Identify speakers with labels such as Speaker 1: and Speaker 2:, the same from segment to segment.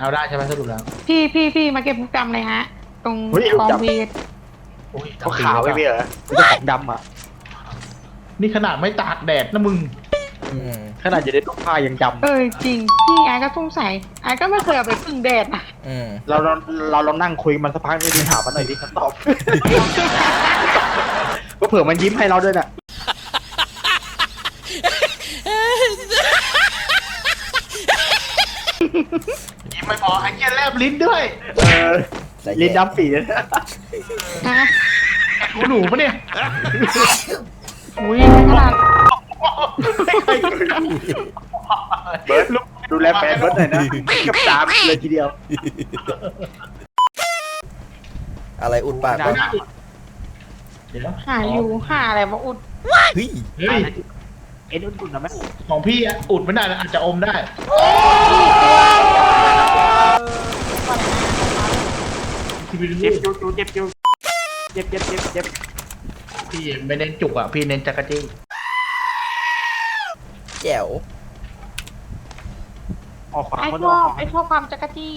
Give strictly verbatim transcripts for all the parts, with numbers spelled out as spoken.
Speaker 1: เอาได้ใช่ไหมสรุปแล้ว
Speaker 2: พี่พี่พี่มาเก็บลูกดำเลยฮะ ตรงกองเวท
Speaker 3: เขาขาวไม่มีเหรอมันจะของดำอ่ะ
Speaker 1: นี่ขนาดไม่ตากแดดนะมึง
Speaker 3: ขนาดจะได้ต้องผ้ายังดำ
Speaker 2: เออจริง พี่ไอ้ก็สงสัยไอ้ก็ไม่เคยเอาไปพึ่งแดดนะ
Speaker 3: เราเราเราลองนั่งคุยมันสักพักนึงถามมันหน่อยดิคำตอบ ก็เผื่อมันยิ้มให้เราด้วยน่ะ
Speaker 1: ยิ้มไม่พอไอ้เหี้ยแลบลิ้นด้วย
Speaker 3: เออลิ้นดำปีเลย
Speaker 2: ฮะ
Speaker 1: หูหนูปะเนี่ย
Speaker 2: อุ้ยขนาด
Speaker 3: เบิร์ดดูแลแฟนเบิร์ดหน่อยนะกับตามเลยทีเดียว
Speaker 4: อะไรอุดปากวะ
Speaker 1: เดี๋ยว
Speaker 2: หาอยู่หาอะไรมาอุด
Speaker 4: เฮ้ย
Speaker 1: เฮ้ย
Speaker 3: เอ็นอุ่นๆนะแม่
Speaker 1: ของพี่อะอุดไม่ได้นะอาจจะอมได้ที่พี่
Speaker 3: เจ็บจูจูเจ็บจูเจ็บเจ็บเจ็บเจ็บ
Speaker 1: พี่ไม่เน้นจุกอ่ะพี่เน้นจักรจี้
Speaker 4: แจ๋ว
Speaker 3: ออกขวา
Speaker 2: ไอ้
Speaker 3: คน
Speaker 2: ช
Speaker 3: อ
Speaker 2: อ
Speaker 3: อก
Speaker 2: บไอ้ชอบความจักรจี้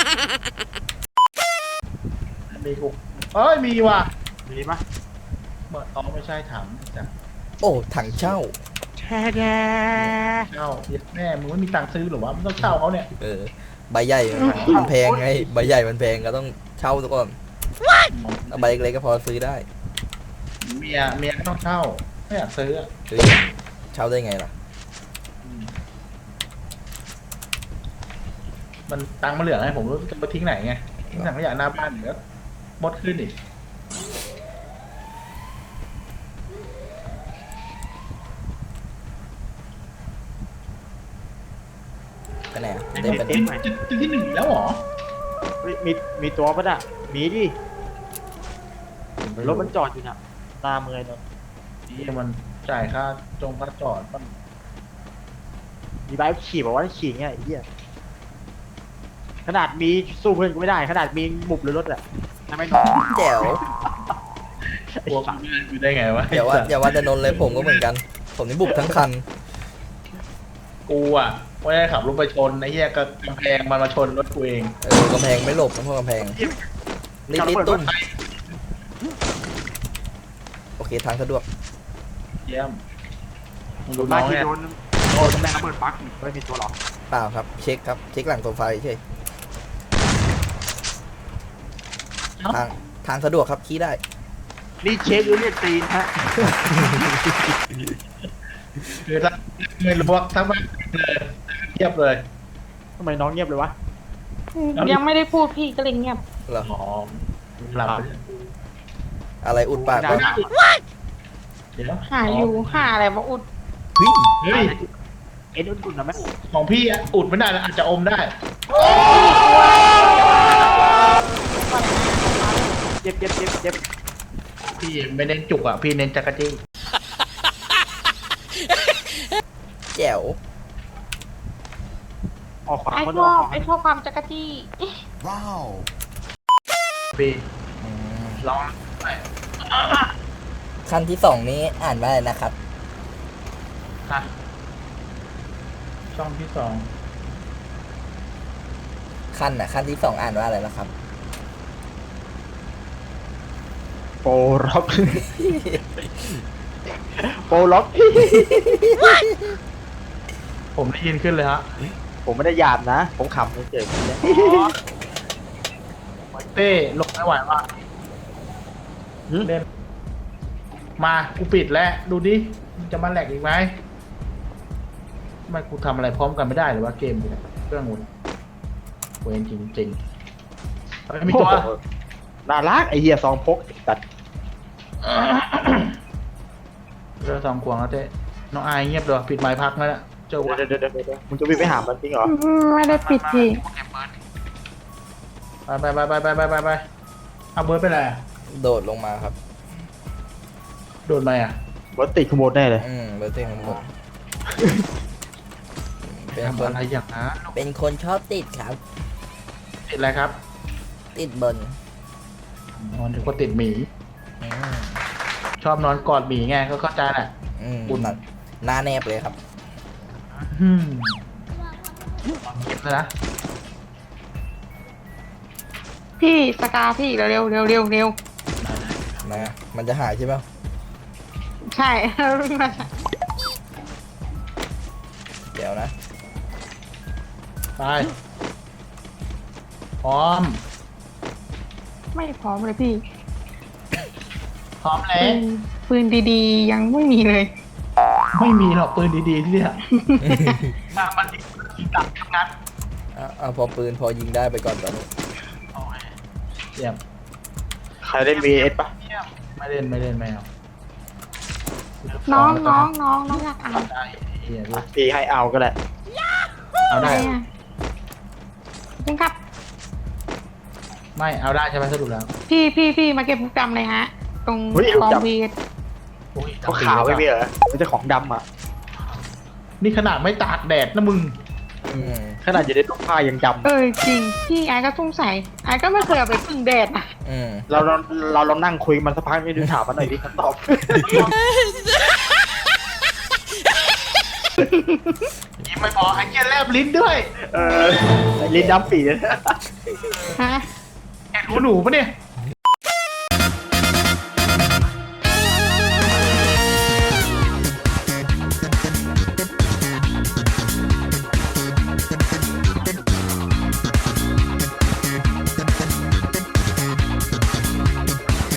Speaker 1: มีกูเอ้ยมีว่ะ
Speaker 3: มีปะ
Speaker 1: เมื่ออ๋อไม่ใช่ถังจ้ะ
Speaker 4: โอ้ถังเช่า
Speaker 3: แช่แย่
Speaker 1: เช่าเย็ดแม่มึงไม่มีตังค์ซื้อหรอวะมึงต้องเช่าเขาเนี่ย
Speaker 4: เออใบใหญ่มันแพงไงใบใหญ่มันแพงก็ต้องเช่าซะก่อนเอาใบเล็กๆก็พอซื้อได้
Speaker 1: เมียเมียก็ต้องเช่าไม่อยากซื้ออะ
Speaker 4: เฮ้ยเช่าได้ไงล่ะ
Speaker 1: มันตังค์มาเหลือไงผมรู้จะไปทิ้งไหนไงทิ้งถังขยะหน้าบ้านเดี๋ยวมดขึ้นอีก
Speaker 4: ไปไหนอะเต็มไปไหน
Speaker 1: จุดจุดที่หนึ่งแล้วเหรอ
Speaker 3: มีมีตัวปะน่ะมีดิรถมันจอดอยู่น่ะตาเมยเนาะ
Speaker 1: นี่มันจ่ายค่าจงค่าจอดป่ะ
Speaker 3: มีใบขี่บอกว่าขี่เงี้ยไอ้เหี้ยขนาดมีสู้เพื่อนกูไม่ได้ขนาดมีบุบหรือรถอะทำไมน้อง
Speaker 4: แจ๋ว
Speaker 1: กลัวกูอยู่ได้ไงวะ
Speaker 4: อย่าว่าอย่าว่าจะนนท์เลยผมก็เหมือนกัน ผมนี่บุบทั้งคัน
Speaker 1: กูอ่ะไม่ได้ขับรถไปชนไอ้เหี้ยก็กำแพงมันมาชนรถกูเอง
Speaker 4: เออกำแพงไม่หลบนะพวกกำแพงนิดนิดตุ้มโอเคทางสะดวก
Speaker 1: เยี่ยมมึงดู
Speaker 3: บ้า
Speaker 1: น้อง
Speaker 3: ที่
Speaker 1: เนี่ย
Speaker 3: โดนโดนตำแหน่งระเบิดปักไม่มีตัวหรอ
Speaker 4: เปล่าครับเช็คครับเช็คหลังโซฟาเฉยทางทางสะดวกครับขี้ได้
Speaker 3: นี่เช็คหรือเรียกตีนฮะ
Speaker 1: คือถ้าไม่รู้ว่าทั้งบ้านเลยเทียบเลย
Speaker 3: ทำไมน้องเงียบเลยวะ
Speaker 2: ยังไม่ได้พูดพี่ก็เลยเงียบ
Speaker 4: เหรอ
Speaker 1: อ๋อหลับ
Speaker 4: อะไรอุดปากวะ
Speaker 1: เดี๋ยว
Speaker 2: หาอยู่หาอะไรมาอุด
Speaker 4: เฮ้ย
Speaker 1: เฮ้ย
Speaker 3: เอ็นอุ่นๆนะแม่
Speaker 1: ของพี่อะอุดไม่ได้นะอาจจะอมได้
Speaker 3: เจ็บเจ็บเจ็บเจ็บ
Speaker 1: พี่ไม่เน้นจุกอ่ะพี่เน้นจักรจี้
Speaker 4: แจ๋ว
Speaker 3: ออกขวา
Speaker 2: ไอ้
Speaker 3: คน
Speaker 2: ช
Speaker 3: อ
Speaker 2: อ
Speaker 3: อบ ก
Speaker 2: ไอ้ชอบความจักรจี้
Speaker 1: พี่
Speaker 4: อืม
Speaker 1: ลองไป
Speaker 4: ขั้นที่สองนี้อ่านว่าอะไรนะครับ
Speaker 1: ฮะช่องที่สอง
Speaker 4: ขั้นอ่ะขั้นที่สองอ่านว่าอะไรนะครับ
Speaker 3: โปรล็อกโปรล็อก
Speaker 1: ผมได้ยินขึ้นเลยฮะ
Speaker 3: ผมไม่ได้หยาบนะ ผมขำเฉย
Speaker 1: เต้ลงไม่ไหวว่ะเล่นมากูปิดแล้วดูดิมันจะมาแหลกอีกไหมทำไมกูทำอะไรพร้อมกันไม่ได้หรือว่าเกมเนี่ยเครื่องมันเวรจริงจริงๆเฮ้ยมีตัว
Speaker 3: น่ารักไอเหี้ยซองพกตัด
Speaker 1: เรือสองขวงแล้วเต้น้องอายเงียบเลยปิดไม้พักนั่นแหละเจ้า
Speaker 3: เดี๋ยวเดี๋ยวเดี๋ยวเดี๋ยวมึงจะวิ่งไปหามันจริงเหรอ
Speaker 2: ไม่ได้ปิดพี่
Speaker 1: ไปไปไปไปไปไปไปเอาเบิร์ดไปไหนอะ
Speaker 4: โดดลงมาครับ
Speaker 1: โดนไหมอ่ะ
Speaker 3: รถติดขโมยแน่เลย
Speaker 4: อืมเบอร์เต้ของผมเป็นค
Speaker 1: ทำ
Speaker 4: น
Speaker 1: อะไรอย่างนั้น
Speaker 4: เป็นคนชอบติดครับ
Speaker 1: ติดอะไรครับ
Speaker 4: ติดบน
Speaker 1: นอนถึงก็ติดหมี
Speaker 4: อืม
Speaker 1: ชอบนอนกอดหมีไงก็เข้าใจแหละ
Speaker 4: อืม
Speaker 1: อุ่น
Speaker 4: หน้าหน้าแนบเลยครับ
Speaker 1: อืมเก็บเลยนะ
Speaker 2: พี่สกาพี่เร็วเร็วเร็วเร็วเร็ว
Speaker 4: นะมันจะหายใช่ไหม
Speaker 2: ใช่วิ่งมา
Speaker 4: เดี๋ยวนะ
Speaker 1: ไปพร้อม
Speaker 2: ไม่พร้อมเลยพี่
Speaker 1: พร้อม
Speaker 2: ปื
Speaker 1: แล้ว
Speaker 2: นปืนดีๆ ยังไม่มีเลย
Speaker 1: ไม่มีหรอกปืนดีๆที่เนี่ยถ้ามันดียิงกลับทำงาน
Speaker 4: อ่ะเอาพอปืนพอยิงได้ไปก่อนตอนนี้
Speaker 1: โอเคเยี่ยม
Speaker 3: ใครเล่น วี เอส ปะ
Speaker 1: เยี่ยมไม่เล่นไม่เล่นไม่เอา
Speaker 2: น้องน้องน้องน้องอยากอ่าน
Speaker 1: ได้เฮียรู้
Speaker 3: พี่ให้เอาก็แหละ
Speaker 1: เอา
Speaker 2: อะไร
Speaker 1: ได้
Speaker 2: อ่ะคุณครับ
Speaker 1: ไม่เอาได้ใช่ไหมสรุปแล้ว
Speaker 2: พี่พี่พี่มาเก็บลูกดำเลยฮะ ตรง
Speaker 3: เฮ้ย
Speaker 2: กอง
Speaker 3: ลูกดำ
Speaker 2: วีด
Speaker 1: โอ้ย
Speaker 3: เขาขาวไว้พี่เหรอไม่ใช่ของดำอ่ะ
Speaker 1: นี่ขนาดไม่ตากแดดนะมึง
Speaker 4: อืม
Speaker 3: ขนาดอยู่ในตู้ผ้ายังดำ
Speaker 2: เออจริงพี่ไอ้ก็สงสัยไอ้ก็ไม่เคยเอาไปพึ่งแดดอ่ะ
Speaker 4: อืม
Speaker 3: เราเราเราลองนั่งคุยมันสักพักนี่ดูถามมันหน่อยดิคำตอบ
Speaker 1: ยิ้มไม่พอไอ้เกี้ยแลบลิ้นด้วย
Speaker 3: เออลิ้นดำปีเลย
Speaker 2: ฮะ
Speaker 1: แอบหูหนูปะเนี่ย